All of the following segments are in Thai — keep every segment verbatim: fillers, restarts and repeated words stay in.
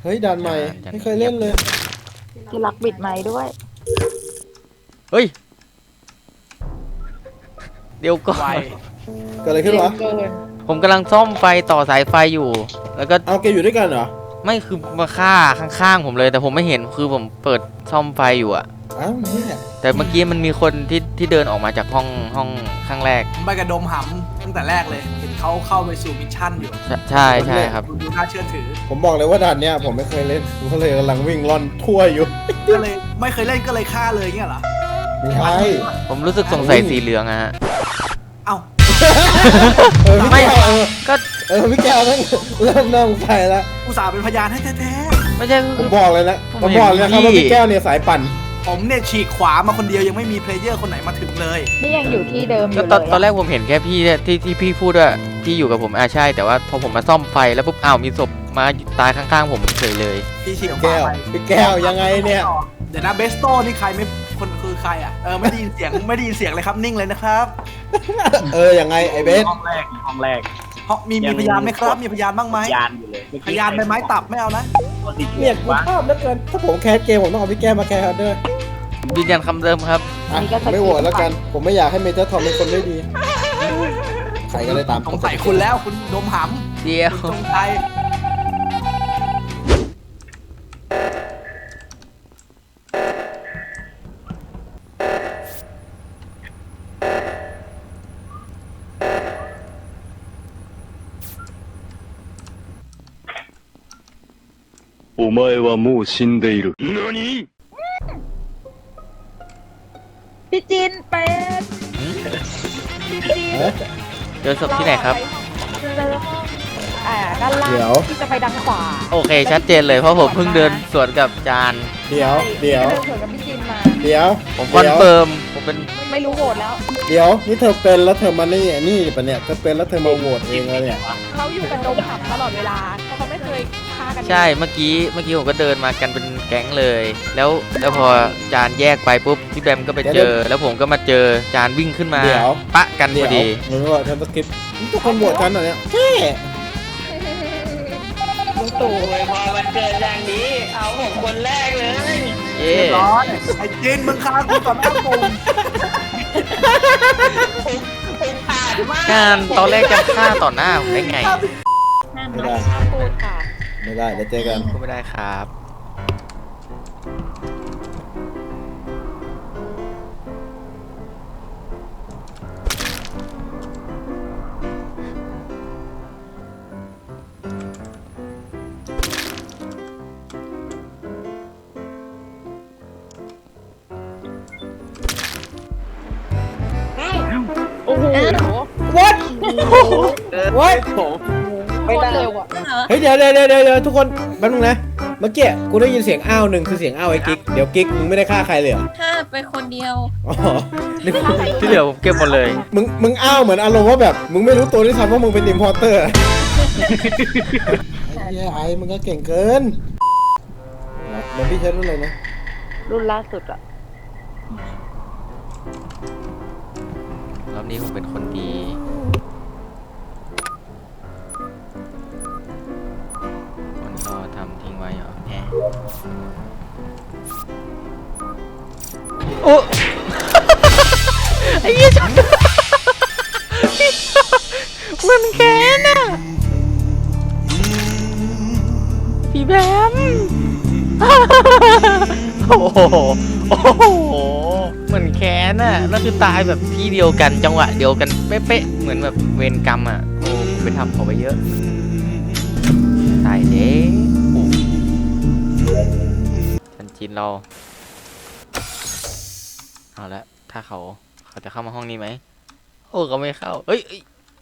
ฮ้ยด่านใหม่ไม่เคยเล่นเลยที่รักบิดไม้ด้วยเฮ้ยเดี๋ยวก่อนเกิดอะไรขึ้นวะผมกำลังซ่อมไฟต่อสายไฟอยู่ แล้วก็เอาแกอยู่ด้วยกันเหรอไม่คือมาฆ่าข้างๆผมเลยแต่ผมไม่เห็นคือผมเปิดซ่อมไฟอยู่อะอ้าวนี่แหละแต่เมื่อกี้มันมีคนที่ที่เดินออกมาจากห้องห้องข้างแรกไปกระดมหำตั้งแต่แรกเลยเห็นเขาเข้าไปสู่มิชชั่นอยู่ใช่ใช่ครับดูน่าเชื่อถือผมบอกเลยว่าด่านเนี้ยผมไม่เคยเล่นผมก็เลยกำลังวิ่งล่อนทั่วอยู่ก็เลยไม่เคยเล่นก็เลยฆ่าเลยเงี้ยเหรอไม่ใช่ผมรู้สึกสงสัยสีเหลืองอะฮะเอ้าเออไม่เออก็เออพี่แก้วนั่งเริ่มนั่งใส่แล้วอุตส่าห์เป็นพยานให้แท้ๆไม่ใช่ผมบอกเลยนะผมบอกเลยครับว่าพี่แก้วเนี่ยสายปั่นผมเนี่ยฉีกขวามาคนเดียวยังไม่มีเพลเยอร์คนไหนมาถึงเลยนี่ยังอยู่ที่เดิมอยู่เลยตอนตอนแรกผมเห็นแค่พี่ที่ที่พี่พูดว่าที่อยู่กับผมอ่าใช่แต่ว่าพอผมมาซ่อมไฟแล้วปุ๊บอ้าวมีศพมาตายข้างๆผมเฉยเลยพี่ฉีกแก้วพี่แก้วยังไงเนี่ยเดี๋ยวนะเบสโต้นี่ใครไม่คนคือใครอ่ะเออไม่ได้ยินเสียงไม่ได้ยินเสียงเลยครับนิ่งเลยนะครับเออยังไงไอเบสห้องแรกห้องแรกเพราะมีมีพยานไหมครับมีพยานบ้างไหมพยานอยู่เลยพยานใบไม้ตับไม่เอานะเนี่ยกูชอบเหลือเกินถ้าผมแคสเกมผมต้องเอาพี่แก้วมาแคสด้วยยืนยันคำเดิมครับไม่โหวตแล้วกันผมไม่อยากให้เมเจอร์ทอมเป็นคนไม่ดีใครก็ได้ตามสงสัยคุณแล้วคุณดมหำเดียวจงใจお前はもう死んでいる。何？ พี่จินเป็นพี่จินเจอศพที่ไหนครับอ่าด้านล่างที่จะไปดังขวาโอเคชัดเจนเลยเพราะผมเพิ่งเดินสวนกับจานเดี๋ยวเดี๋ยวเดินสวนกับพี่จินมาเดี๋ยวผมคอนเฟิร์มผมเป็นไม่รู้โหวตแล้วเดี๋ยวนี่เธอเป็นแล้วเธอมานี่นี่ปะเนี่ยเธอเป็นแล้วเธอมาโหวตเองแล้วเนี่ยเขาอยู่กันดมหับตลอดเวลาเขาไม่เคยฆ่ากันใช่เมื่อกี้เมื่อกี้ผมก็เดินมากันเป็นแก๊งเลยแล้วแล้วพอจานแยกไปปุ๊บพี่แบมก็ไปเจอแล้วผมก็มาเจอจานวิ่งขึ้นมาปะกันพอดีมึงว่าเธอสกิปทุกคนโหวตกันเหรอเนี่ยแค่ตู่พอมันเกิดอย่างนี้เอาผมคนแรกเลยเย้ร้อนไอ้จินมึงฆ่ากูก่อนหน้าปุ่มการตอนแรกจะฆ่าต่อหน้าผมได้ไงห้ามนะพูดค่ะไม่ได้เดี๋ยวเจอกันพูดไม่ได้ครับโอ้โห what what ไม่ได้เร็วอ่ะเฮ้ยเดี๋ยวเดี๋ยวเดี๋ยวเดี๋ยวทุกคนแป๊บนึงนะเมื่อกี้กูได้ยินเสียงอ้าวหนึ่งคือเสียงอ้าวไอ้กิ๊กเดี๋ยวกิ๊กมึงไม่ได้ฆ่าใครเลยเหรอฆ่าไปคนเดียวอ๋อที่เหลือผมเก็บหมดเลยมึงมึงอ้าวเหมือนอารมณ์ว่าแบบมึงไม่รู้ตัวด้วยซ้ำว่ามึงเป็นอิมพอร์เตอร์ไอ้ไอ้มึงก็เก่งเกินเดี๋ยวพี่ใช้รุ่นอะไรนะรุ่นล่าสุดอะรอบนี้ผมเป็นคนดีมันก็ทำทิ้งไว้เหรอแหมโอ้ไอ้ยี่ชนมันแค้นอ่ะพี่แบมโอ้โหโอ้โหเหมือนแค้นอ่ะแล้วคือตายแบบที่เดียวกันจังหวะเดียวกันเป๊ะๆเหมือนแบบเวรกรรมอ่ะโอ้ไปทำเขาไปเยอะตายเด้ทันจีนเราเอาละถ้าเขาเขาจะเข้ามาห้องนี้ไหมโอ้เขาไม่เข้าเอ้ย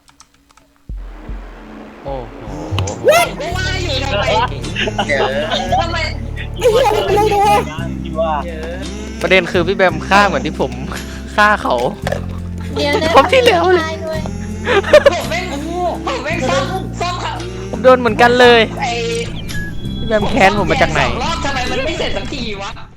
โอ้โหว่าอยู่ทำไมทำไมไอ้เหี้ยอะไรเนี่ยประเด็นคือพี่แบมฆ่าเหมือนที่ผมฆ่าเขาเดี๋ยวผมที่เหลือเลยผมไม่ผมไม่ซ่อมซ่อมครับผมโดนเหมือนกันเลยพี่แบมแค้นผมมาจากไหนรอบทำไมมันไม่เสร็จสักทีวะ